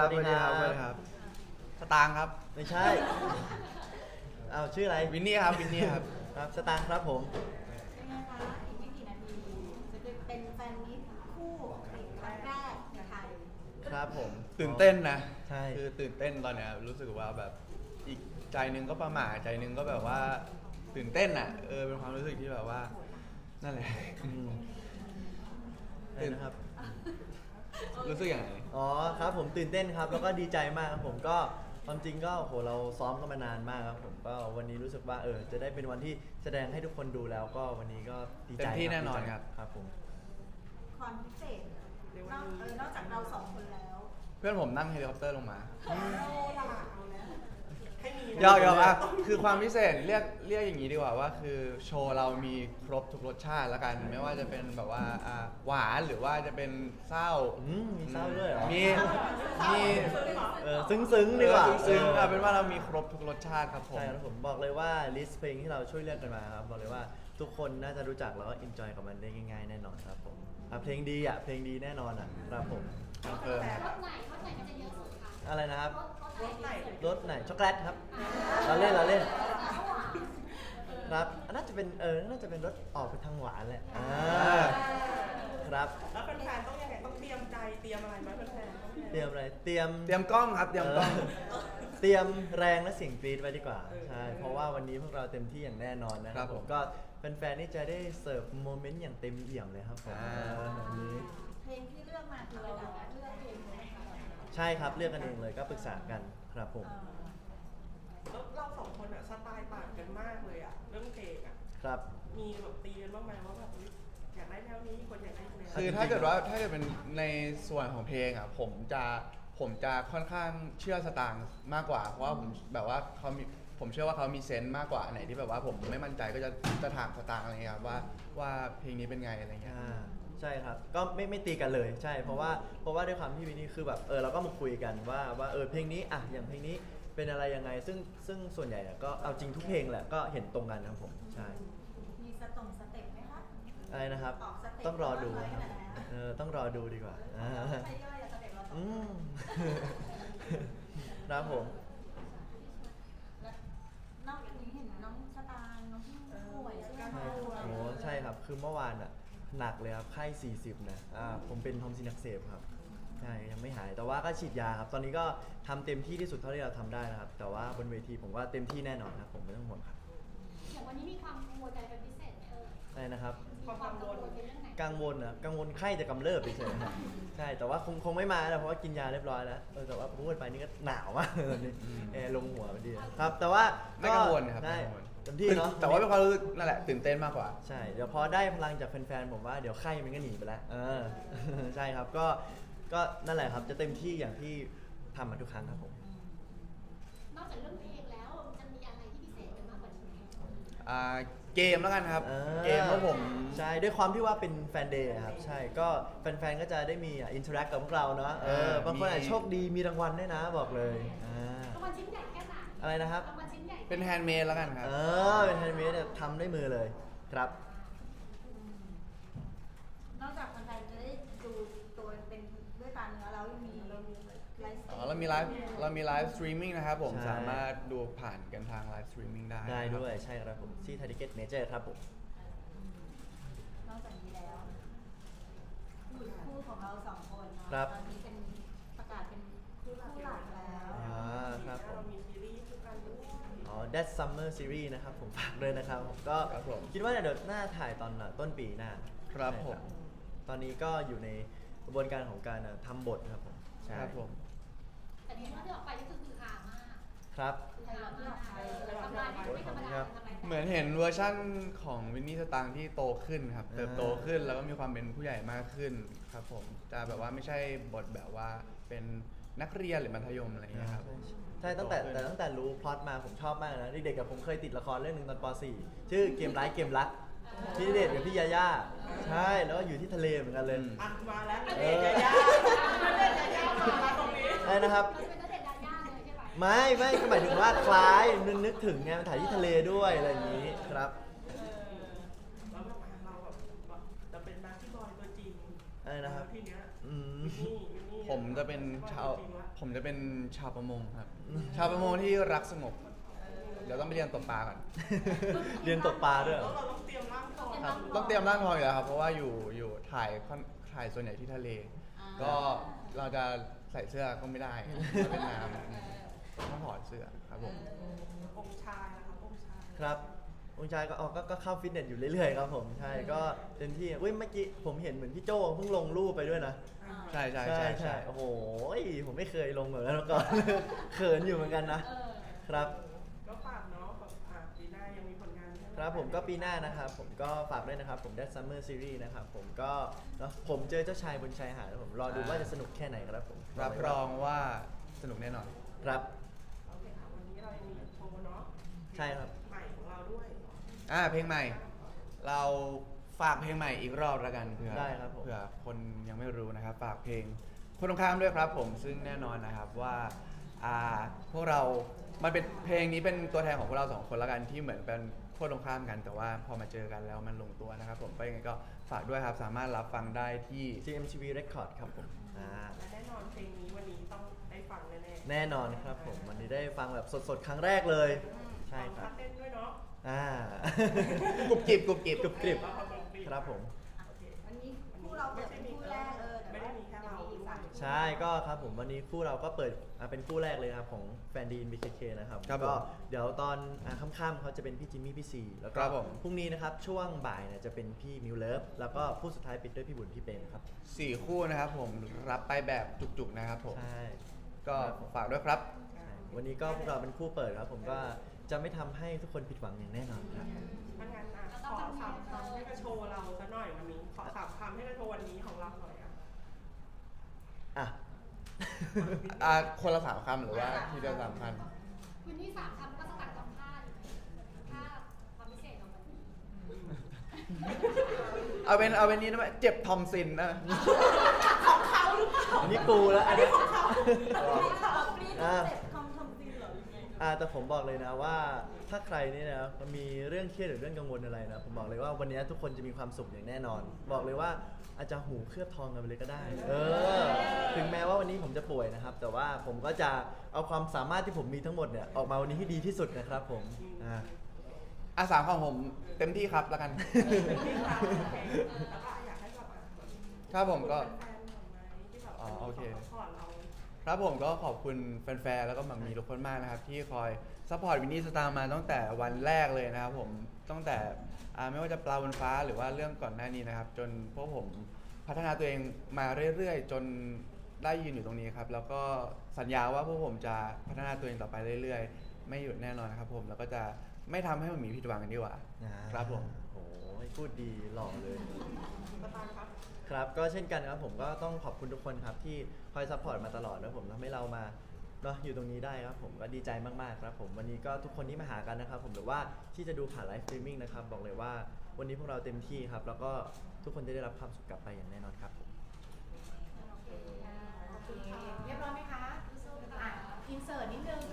สวัสดีครับสวัสดีครับสตางค์ครับไม่ใช่เอาชื่ออะไรวินนี่ครับวินนี่ครับครับสตางค์ครับผมเป็นไงคะอีกไม่กี่นาทีจะเป็นแฟนมิตรคู่ติดครั้งแรกในไทยครับผมตื่นเต้นนะใช่คือตื่นเต้นตอนเนี้ยรู้สึกว่าแบบอีกใจหนึงก็ประหม่าใจหนึงก็แบบว่าตื่นเต้นอ่ะเป็นความรู้สึกที่แบบว่านั่นแหละอะไรนะครับรู้สึกอย่างไรอ๋อครับผมตื่นเต้นครับแล้วก็ดีใจมากครับผมก็ความจริงก็โหเราซ้อมกันมานานมากครับผมก็วันนี้รู้สึกว่าจะได้เป็นวันที่แสดงให้ทุกคนดูแล้วก็วันนี้ก็ดีใจเต็มที่แน่นอนครับครับผมความพิเศษนอกจากเราสองคนแล้วเพื่อนผมนั่งเฮลิคอปเตอร์ลงมาเราล่ะเอาแล้วให้มียอกอ่ะคือความพิเศษเรียกอย่างนี้ดีกว่าว่าคือโชว์เรามีครบทุกรสชาติแล้วกันไม่ว่าจะเป็นแบบว่าหวานหรือว่าจะเป็นเศร้ามีเศร้าด้วยเหรอมีซึ้งๆดีกว่าซึ้งๆเป็นว่าเรามีครบทุกรสชาติครับผมใช่ครับผมบอกเลยว่าลิสต์เพลงที่เราช่วยเลือกกันมาครับบอกเลยว่าทุกคนน่าจะรู้จักแล้วก็อินจอยกับมันได้ง่ายๆแน่นอนครับผมเพลงดีเพลงดีแน่นอนครับผมคอนเฟิร์มครับรถไหนมันจะเยอะสุดคะอะไรนะครับรถไหนรสไหนช็อกโกแลตครับเราเล่นครับน่าจะเป็นน่าจะเป็นรสออกไปทางหวานแหละครับแล้วแฟนๆต้องยังไงต้องเตรียมใจเตรียมอะไรไหมแฟนๆเตรียมอะไรเตรียมกล้องครับเตรียมกล้องเตรียมแรงและเสียงกรี๊ดไว้ดีกว่าใช่เพราะว่าวันนี้พวกเราเต็มที่อย่างแน่นอนนะครับผมก็แฟนๆนี่จะได้เสิร์ฟโมเมนต์อย่างเต็มเอี่ยมเลยครับผมแบบนี้เพลงที่เลือกมาคือเราเลือกเพลงเลยค่ะใช่ครับเลือกกันเองเลยก็ปรึกษากันครับผมแล้วเราสองคนอะสไตล์ต่างกันมากเลยอะเรื่องเพลงอะครับมีแบบตีกันบ้างไหมว่าแบบอุ๊ยอยากได้แนวนี้คนอยากได้แนวคือถ้าเกิดเป็นในส่วนของเพลงอ่ะผมจะค่อนข้างเชื่อสตางค์มากกว่าเพราะว่าผมแบบว่าผมเชื่อว่าเขามีเซนส์มากกว่าอันไหนที่แบบว่าผมไม่มั่นใจก็จะถามสตางค์อะไรเงี้ยครับว่าเพลงนี้เป็นไงอะไรเงี้ยใช่ครับก็ไม่ตีกันเลยใช่เพราะว่าด้วยความที่วินนี่คือแบบเราก็มาคุยกันว่าเพลงนี้อย่างเพลงนี้เป็นอะไรยังไงซึ่งส่วนใหญ่ก็เอาจริงทุกเพลงแหละก็เห็นตรงกันครับผมใช่มีสเต็ปไหมคะอะไรนะครับออกสเต็ปต้องรอดูบ้างไหมครับต้องรอดูดีกว่าใช่ย่อยสเต็ปเราสองอืคนม ครับผมแล้วนอกจากนี้เห็นน้องสตางค์น้องพี่ป่วยใช่ไหมคะโอ้ใช่ครับคือเมื่อวานหนักเลยครับไข้40นะผมเป็นทอมซินอักเสบครับใช่ยังไม่หายแต่ว่าก็ฉีดยาครับตอนนี้ก็ทำเต็มที่ที่สุดเท่าที่เราทำได้นะครับแต่ว่าบนเวทีผมว่าเต็มที่แน่นอนครับผมไม่ต้องห่วงครับอย่างวันนี้มีความกังวลใจเป็นพิเศษไหมอะไรนะครับมีความกังวลในเรื่องไหนกังวลไข้จะกำเริบเฉยๆครับใช่แต่ว่าคงไม่มาแล้วเพราะว่ากินยาเรียบร้อยแล้วแต่ว่าพูดไปนี่ก็หนาวมากตอนนี้แอร์ลงหัวพอดีครับแต่ว่าไม่กังวลครับได้ไม่กังวลเต็มที่เนาะแต่ว่าเป็นความรู้สึกนั่นแหละตื่นเต้นมากกว่าใช่เดี๋ยวพอได้พลังจากแฟนๆผมว่าเดี๋ยวไข้มันก็หนีไปแล้วใช่ครับก็นั่นแหละครับจะเต็มที่อย่างที่ทำมาทุกครั้งครับผมนอกจากเรื่องเพลงแล้วจะมีอะไรที่พิเศษกันมากกว่านี้ไหมเกมแล้วกันครับเกมเพราะผมใช่ด้วยความที่ว่าเป็นแฟนเดย์ครับใช่ก็แฟนๆก็จะได้มีอินเทอร์แอคกับพวกเราเนาะบางคนอาจจะโชคดีมีรางวัลด้วยนะบอกเลยรางวัลชิ้นใหญ่แค่ไหนอะไรนะครับรางวัลชิ้นใหญ่เป็นแฮนด์เมดแล้วกันครับเป็นแฮนด์เมดทำด้วยมือเลยครับนอกจากแฟนๆจะได้ดูตัวเป็นด้วยตาเนื้อแล้วยังมีไลฟ์สตรีมเรามีไลฟ์สตรีมมิ่งนะครับผมใช่สามารถดูผ่านกันทางไลฟ์สตรีมมิ่งได้ได้ด้วยครับใช่ครับผมที่ไทยทิเก็ตเมเจอร์ครับผมนอกจากนี้แล้วคู่ของเราสองคนเนาะครับตอนนี้เป็นประกาศเป็นคู่หลักแล้วครับผมเรามีซีรีส์คู่กันด้วย That Summer Series นะครับผมฝากเลยนะครับผมก็ครับผมคิดว่าเดี๋ยวน่าถ่ายตอนต้นปีหน้าครับใช่ผมตอนนี้ก็อยู่ในกระบวนการของการทำบทครับผมใช่ครับผมแต่ที่ว่าที่ออกไปนี่คือฮามากครับคือฮามากทำลายไม่ธรรมดาทำลายเหมือนเห็นเวอร์ชั่นของวินนี่สตางค์ที่โตขึ้นครับเติบโตขึ้นแล้วก็มีความเป็นผู้ใหญ่มากขึ้นครับผมจะแบบว่าไม่ใช่บทแบบว่าเป็นนักเรียนหรือมัธยมอะไรอย่างเงี้ยครับใช่ตั้งแต่รู้พล็อตมาผมชอบมากนะเด็กๆกับผมเคยติดละครเรื่องหนึ่งตอนป .4 ชื่อเกมร้ายเกมรักพี่ณเดชน์กับพี่ยาย่าใช่แล้วก็อยู่ที่ทะเลเหมือนกันเลยอ่ะมาแล้วณเดชน์ยายาณเดชน์ยายามาตรงนี้ใช่นะครับเราจะเป็นนักเด็กดาย่าเลยใช่ไหมไม่ก็หมายถึงว่าคล้ายนึกถึงไงมันถ่ายที่ทะเลด้วยอะไรอย่างนี้ครับแล้วแบบเราแบบจะเป็นนักที่บอยตัวจริงอะไรนะครับทีเนี้ยอืมนี่ผมจะเป็นชาวผมจะเป็นชาวประมงครับ ชาวประมงที่รักสงบ เดี๋ยวต้องไปเรียนตกปลาก่อนเรียนตกปลาด้วยเหรแล้วอเราต้องเตรียมร่างทองครับต้องเตรียมร่างทองอยู่แล้วครับ เพราะว่าอยู่ถ่ายส่วนใหญ่ที่ทะเล ก็เราจะใส่เสื้อก็ไม่ได้มันเป็นน้ำต้องถอดเสื้อครับผมองค์ชายนะคะองค์ชายครับองค์ชายก็ก็เข้าฟิตเนสอยู่เรื่อยๆครับผมใช่ก็เต็มที่อุ้ยเมื่อกี้ผมเห็นเหมือนพี่โจเพิ่งลงรูปไปด้วยนะใช่ใช่ใช่ใช่ใช่ใช่โอ้โหผมไม่เคยลงแบบนั้นมาก่อน เขินอยู่เหมือนกันนะ ครับก็ฝากเนาะแบบปีหน้ายังมีผลงานใช่ไหครับผมก็ปีหน้านะครับผมก็ฝากด้วยนะครับผมได้ Summer Series นะครับผมก็เนอะผมเจอเจ้าชายบนชายหาดนะผมรอดูว่าจะสนุกแค่ไหนครับผมรับรองว่าสนุกแน่นอนครับโอเคค่ะวันนี้เรายังมีโชว์เนาะใช่ครับใหม่ของเราด้วยเพลงใหม่ เราฝากเพลงใหม่อีกรอบแล้วกันเผื่อได้ครับผมเผื่อคนยังไม่รู้นะครับ ฝากเพลงคนตรงข้ามด้วยครับผมซึ่งแน่นอนนะครับว่าพวกเรามันเป็นเพลงนี้เป็นตัวแทนของพวกเราสองคนแล้วกันที่เหมือนเป็นขั้วตรงข้ามกัน แต่ว่าพอมาเจอกันแล้วมันลงตัวนะครับผมก็ยังไงก็ฝากด้วยครับสามารถรับฟังได้ที่ GMTV Record ครับผมและแน่นอนเพลงนี้วันนี้ต้องได้ฟังแน่ๆแน่นอนครับผมวันนี้ได้ฟังแบบสดๆ ครั้งแรกเลย ใช่คฟัรังบเต้นด้วยเนาะกรุบกริบกรุบกริบกรุบกริบ ครับผมโอเควันนี้คู่เราเปิดเป็นคู่แรกแต่ไม่ได้มีแค่เราอีกด้วยใช่ก็ครับผมวันนี้คู่เราก็เปิดเป็นคู่แรกเลยครับของแฟนดีน BKK นะครับครับผมก็เดี๋ยวตอนค่ำๆเขาจะเป็นพี่จิมมี่พี่ซีแล้วก็ครับผมพรุ่งนี้นะครับช่วงบ่ายเนี่ยจะเป็นพี่มิวเลิฟแล้วก็ผู้สุดท้ายปิดด้วยพี่บุญพี่เปรมครับ 4 คู่นะครับผมรับไปแบบจุกๆนะครับผมใช่ก็ฝากด้วยครับใช่วันนี้ก็พวกเราเป็นคู่เปิดครับผมก็จะไม่ทำให้ทุกคนผิดหวังอย่างแน่นอนครับถ้างั้นขอสามคำให้กระโชว์เราซะหน่อยวันนี้ ขอสามคำให้กระโชว์วันนี้ของเราหน่อยอ่ะอ่ะคนละ3 คำหรือว่าทีเดียว3 คำคุณที่สามคำก็สกัดกับผ้าผ้าความพิเศษของมันนี้เอาเป็นนี้นะเจ็บทอมซินนะอันนี้กูแล้วอันนี้อ่าเจ็บคำทำดีเหรอแต่ผมบอกเลยนะว่าถ้าใครนี่นะมีเรื่องเครียดหรือเรื่องกังวลอะไรนะผมบอกเลยว่าวันนี้ทุกคนจะมีความสุขอย่างแน่นอน บอกเลยว่าอาจจะหูเคลือบทองกันไปเลยก็ได้ถึงแม้ว่าวันนี้ผมจะป่วยนะครับ แต่ว่าผมก็จะเอาความสามารถที่ผมมีทั้งหมดเนี่ยออกมาวันนี้ให้ดีที่สุดนะครับผม 3 คำผมเต็มที่ครับแล้วกันแล้วก็อยากให้แบบครับผมก็แฟนๆหน่อยไหมที่แบบโอเคสปอร์ตเราครับผมก็ขอบคุณแฟนๆ แล้วก็หมัมมีทุกคนมากนะครับ ที่คอยซัพพอร์ตวินนี่สตาร์มาตั้งแต่วันแรกเลยนะครับผมตั้งแต่ไม่ว่าจะปลาบนฟ้าหรือว่าเรื่องก่อนหน้านี้นะครับ จนพวกผมพัฒนาตัวเองมาเรื่อยๆ จนได้ยืนอยู่ตรงนี้ครับ แล้วก็สัญญาว่าพวกผมจะพัฒนาตัวเองต่อไปเรื่อยๆ ไม่หยุดแน่นอนนะครับผมแล้วก็จะไม่ทำให้มันมีผิดหวังกันดีกว่าครับผมโอ้ยพูดดีหล่อเลยสตาร์ครับครับก็เช่นกันครับผมก็ต้องขอบคุณทุกคนครับที่คอยซัพพอร์ตมาตลอดนะผมทำให้เรามาเนาะอยู่ตรงนี้ได้ครับผมก็ดีใจมากๆครับผมวันนี้ก็ทุกคนที่มาหากันนะครับผมหรือว่าที่จะดูผ่านไลฟ์สตรีมมิ่งนะครับบอกเลยว่าวันนี้พวกเราเต็มที่ครับแล้วก็ทุกคนจะได้รับความสุขกลับไปอย่างแน่นอนครับผมโอเคเรียบร้อยไหมคะอินเสิร์ตนิดนึง